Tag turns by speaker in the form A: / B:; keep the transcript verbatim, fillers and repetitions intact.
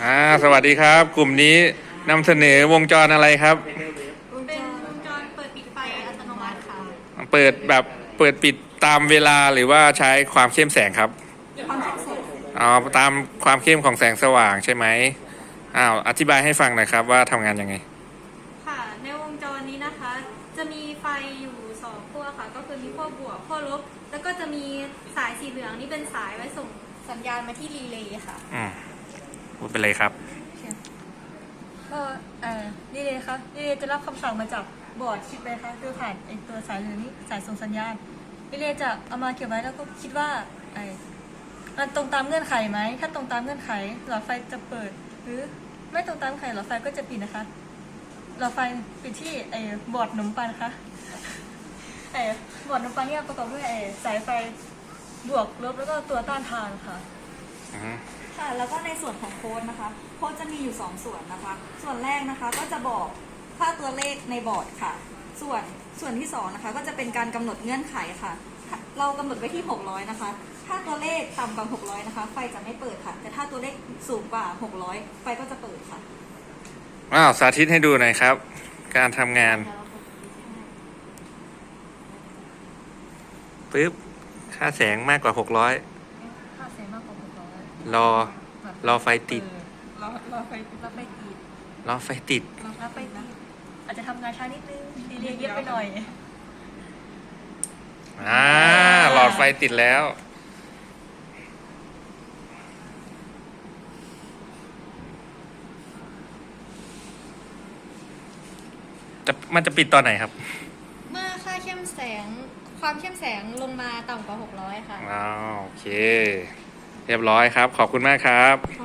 A: อ่าสวัสดีครับ กลุ่มนี้นำเสนอวงจรอะไรครับ
B: เป็นวงจรเปิดปิดไฟอัตโนมัติค่ะ
A: เปิดแบบเปิดปิดตามเวลาหรือว่าใช้ความเข้มแสงครับ
B: ความเข้มแสง
A: อ๋อตามความเข้มของแสงสว่างใช่ไหมอ้าวอธิบายให้ฟังหน่อยครับว่าทำงานยังไง
B: ค่ะในวงจรนี้นะคะจะมีไฟอยู่สองขั้วค่ะก็คือมีขั้วบวกขั้วลบแล้วก็จะมีสายสีเหลืองนี่เป็นสายไว้ส่งสัญญาณมาที่รีเลย์ค่ะ
A: อืมพูดไปเลยครับ
C: ก็เอ่อนี่เลยค่ะนี่เลยจะรับคำสั่งมาจากบอร์ดชิปเลยค่ะคือผ่านไอตัวสายเหลืองนี้สายส่งสัญญาณนี่เลยจะเอามาเก็บไว้แล้วก็คิดว่าไอมันตรงตามเงื่อนไขไหมถ้าตรงตามเงื่อนไขหลอดไฟจะเปิดหรือไม่ตรงตามเงื่อนไขหลอดไฟก็จะปิดนะคะหลอดไฟปิดที่ไอบอร์ดขนมปังนะคะไอบอร์ดขนมปังเนี่ยประกอบด้วยไอสายไฟบวกลบแล้วก็ตัวต้านทานค่ะ
D: ค่ะแล้วก็ในส่วนของโค้ดนะคะโค้ดจะมีอยู่สองส่วนนะคะส่วนแรกนะคะก็จะบอกค่าตัวเลขในบอร์ดค่ะส่วนส่วนที่สองนะคะก็จะเป็นการกำหนดเงื่อนไขค่ะเรากำหนดไว้ที่หกร้อยนะคะถ้าตัวเลขต่ำกว่าหกร้อยนะคะไฟจะไม่เปิดค่ะแต่ถ้าตัวเลขสูงกว่าหกร้อยไฟก็จะเปิดค่ะ
A: อ้าวสาธิตให้ดูหน่อยครับการทำงานปึ๊บค่าแสงมากกว่าหกร้อย
C: ค่าแสงมากกว่าหกร้อย
A: รอรอไฟติด
C: รอรอไฟรอไฟติด
A: รอไฟติด
C: รอไฟติดอาจจะทำงานช้านิดนึงดีเรียเยอะไปหน่อย
A: อ่าหลอดไฟติดแล้วจะมันจะปิดตอนไหนครับ
B: เมื่อค่าเข้มแสงความเข้มแสงลงมาต่ำกว่าหกร้อยค่ะ
A: อ้าวโอเคเรียบร้อยครับขอบคุณมากครับ